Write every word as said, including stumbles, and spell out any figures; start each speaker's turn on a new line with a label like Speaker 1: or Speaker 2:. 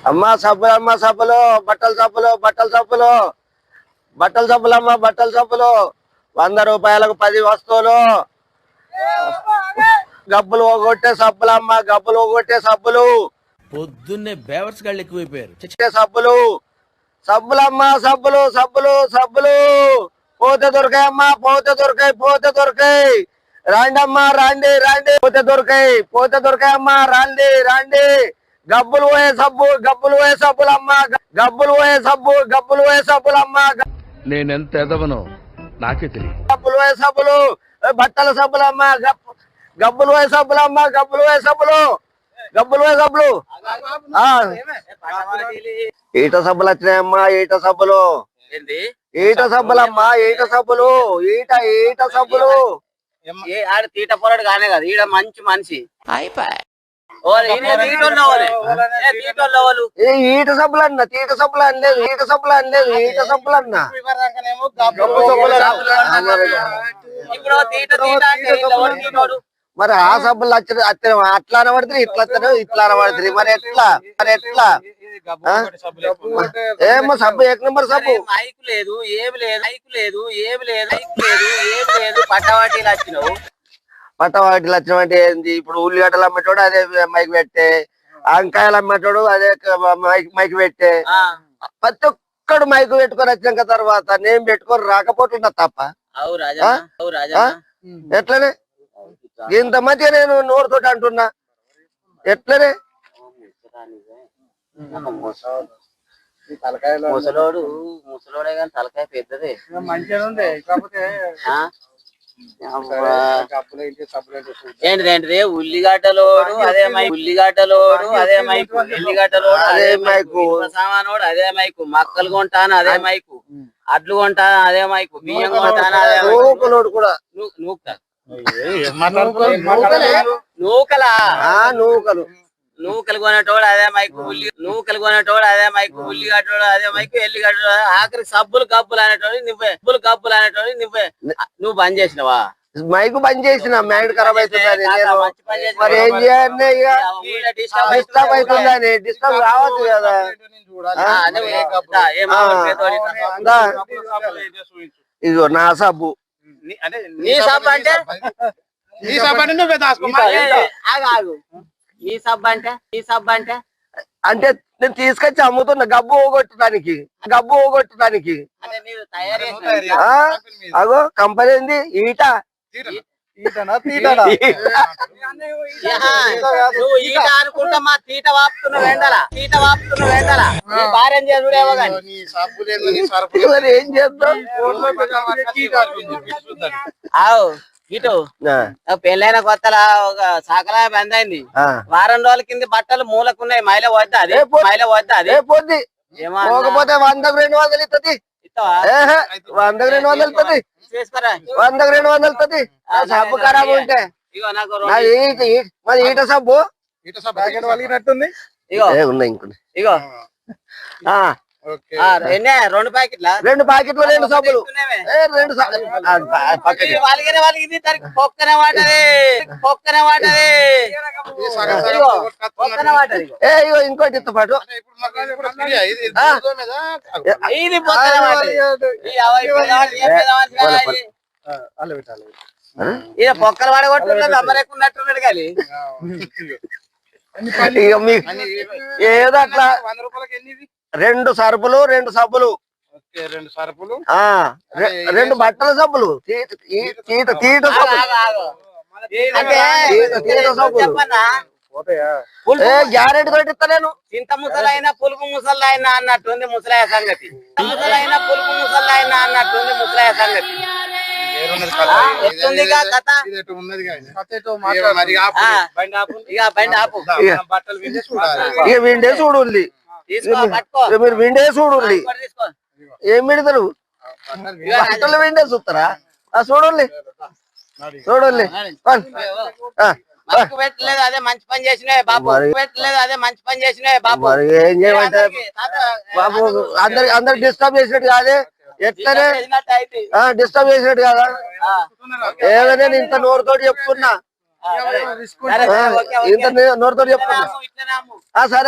Speaker 1: అమ్మా సబ్బులు అమ్మ సబ్బులు బట్టల సబ్బులు బట్టల సబ్బులు బట్టల సబ్బులు అమ్మ బట్టల సబ్బులు వంద రూపాయలకు పది వస్తువులు గబ్బులు పోగొట్టే సబ్బులు అమ్మ గబ్బులు పోగొట్టే సబ్బులు
Speaker 2: పొద్దున్నే బేవర్స్ గాళ్ళు ఎక్కువైపోయారు.
Speaker 1: సబ్బులు సబ్బులమ్మ సబ్బులు సబ్బులు సబ్బులు పోతే దొరికాయమ్మా పోతే దొరికాయి పోతే దొరికాయి రాండి అమ్మా రాండి రాండి పోతే దొరికాయి పోతే దొరికాయమ్మా రాండి రాండి గబ్బులు పోయే సబ్బు గబ్బులు పోయే సబ్బులమ్మ గబ్బులు పోయే సబ్బు గబ్బులు పోయే సబ్బులమ్మ
Speaker 2: నేనెంత ఎదవనో నాకే తెలియదు.
Speaker 1: గబ్బులు పోయే సబ్బులు బట్టల సబ్బులమ్మ గబ్బులు పోయే సబ్బులమ్మ గబ్బులు పోయే సబ్బులు గబ్బులు పోయే సబ్బులు ఈట సబ్బులు వచ్చినాయమ్మా ఈట సబ్బులు ఈట సబ్బులమ్మా ఈట సబ్బులు ఈట ఈట సబ్బులు
Speaker 3: ఆడ తీట పొరడు కానే కదా ఈడ మంచి మనిషి
Speaker 1: ఈట సబ్బులు అన్న తీట సబ్బులు అనలేదు ఈట సబ్బులు అనలేదు ఈట సబ్బులు అన్న మరి ఆ సబ్బులు వచ్చి అట్లా అనబడుతుంది ఇట్లా ఇట్లా అనబడుతుంది మరి ఎట్లా మరి ఎట్లా ఏమో సబ్బు ఏక నెంబర్ సబ్బు
Speaker 3: మైకు లేదు ఏమి లేదు మైకు లేదు ఏమి లేదు మైకు లేదు ఏమి లేదు పట్టవాటీలు వచ్చినావు
Speaker 1: పట్టవాటిలు వచ్చిన అంటే ఏంది ఇప్పుడు ఉల్లిగడ్డలు అమ్మేటోడు అదే మైక్ పెట్టే వంకాయలు అమ్మేటోడు అదే మైక్ మైక్ పెట్టే ప్రతి ఒక్కడు మైకు పెట్టుకొని వచ్చినాక తర్వాత నేను పెట్టుకొని రాకపోతున్నా తప్ప ఎట్లనే ఇంత మంచిగా నేను నోరుతోటి అంటున్నా ఎట్లనే
Speaker 3: ముసలోడు ముసలోడే కానీ తలకాయ పెద్దదే
Speaker 4: మంచిగా ఉంది కాకపోతే
Speaker 3: ఏంటిదేంటిది ఉల్లిగడ్డలోడు అదే మైకు ఉల్లిగడ్డలోడు అదే మైకు ఎల్లిగడ్డలోడు అదే మైకు సామానోడు అదే మైకు మక్కలు కొంటాను అదే మైకు అడ్లు కొంటాను అదే మైకు బియ్యం కొంటాను అదే
Speaker 1: నూకలోడు కూడా
Speaker 3: నూక నూకలా
Speaker 1: నూకలు
Speaker 3: నూకలు కొనేటోడు అదే మైకు ఉల్లి నూకలు కొనేటోడు అదే మైకు ఉల్లిగడ్డోడు అదే మైకు ఎల్లిగడ్డోడు ఆఖరి సబ్బులు కబ్బులు అనేటోడు నువ్వే సబ్బులు కబ్బులు అనేటోడు నువ్వే నువ్వు బంద్ చేసినవా
Speaker 1: మైకు బంద్ చేసిన మైండ్ ఖరాబ్ అవుతుందని మరి ఏం చేయాలి ఇక డిస్టర్బ్ అవుతుందని డిస్టర్బ్ కావచ్చు కదా ఇదిగో నా సబ్బు
Speaker 3: నీ సబ్బు అంటే
Speaker 4: నీ సబ్బు అంటే నువ్వే దాచుకో
Speaker 3: ఆగు ఈ సబ్బు అంటే ఈ సబ్బు అంటే
Speaker 1: అంటే నేను తీసుకొచ్చి అమ్ముతున్నా గబ్బు పోగొట్టడానికి గబ్బు పోగొట్టడానికి అగో కంపెనీ ఏంది ఈట
Speaker 3: నువ్వు ఈట అనుకుంటా మా తీట వాపుతున్న వెండలా తీట వాపుతున్న వెండలా నీ భార్య చేసుడేమో కానీ
Speaker 1: ఏం చేద్దాం
Speaker 3: ఆవు ఇటు పెళ్ళైన కొత్తలా ఒక సాకలా బంద్ అయింది వారం రోజుల కింద బట్టలు మూలకున్నాయి మైల వద్దా అది మైల వద్దా అది
Speaker 1: పోద్ది పోకపోతే వందకు రెండు వందలు ఇస్తుంది వందకు రెండు వందలు ఇస్తుంది వందకు రెండు వందలు ఇస్తుంది సబ్బు ఖరాబ్ ఉంటే మరి ఈట సబ్బు
Speaker 4: ఈట సబ్బు ప్యాకెట్ వలిగినట్టుంది
Speaker 3: ఇగో
Speaker 1: ఉన్నాయి ఇంకొన్ని
Speaker 3: ఇగో రెండు ప్యాకెట్ల
Speaker 1: రెండు ప్యాకెట్లు రెండు సబ్బులు రెండు
Speaker 3: వాళ్ళకి వాళ్ళకి దానికి పొక్కనే వాటది పొక్కనే వాటది
Speaker 1: ఏ ఇగో ఇంకోటి ఇస్తా పాటు
Speaker 3: ఇది పొక్కనే వాటది ఇక పొక్కలు వాడగొట్టున్నది అమ్మరేకున్నట్టున్నాడు కానీ
Speaker 1: ఇక మీకు ఏదో అట్లా
Speaker 4: వంద రూపాయలకి ఎన్ని
Speaker 1: రెండు సరుపులు రెండు సబ్బులు
Speaker 4: రెండు సరుపులు
Speaker 1: రెండు బట్టల సబ్బులు తీట తీట గ్యారెంటీ తోటి ఇస్తా నేను
Speaker 3: చింత ముసలైనా పులుపు ముసలైనా అన్నట్టుంది ముసలాయ సంగతి ముసలైనా పులుపు ముసలైనా అన్నట్టుంది ముసలాయ సంగతి
Speaker 1: ఇక విండే చూడండి మీరు విండే చూడండి ఏం విడతారు బట్టలు విండే చూస్తారా చూడండి చూడండి
Speaker 3: పెట్టలేదు అదే మంచి పని చేసినాయి బాబు పెట్టలేదు అదే మంచి పని చేసినాయి బాబు
Speaker 1: ఏం చేయమంటే బాబు అందరి అందరు డిస్టర్బ్ చేసినట్టు కాదే ఎట్లనే డిస్టర్బ్ చేసినట్టు కదా ఏదో నేను ఇంత నోరుతోటి చెప్తున్నా ఇంత నోరుతోటి చెప్తున్నా సరే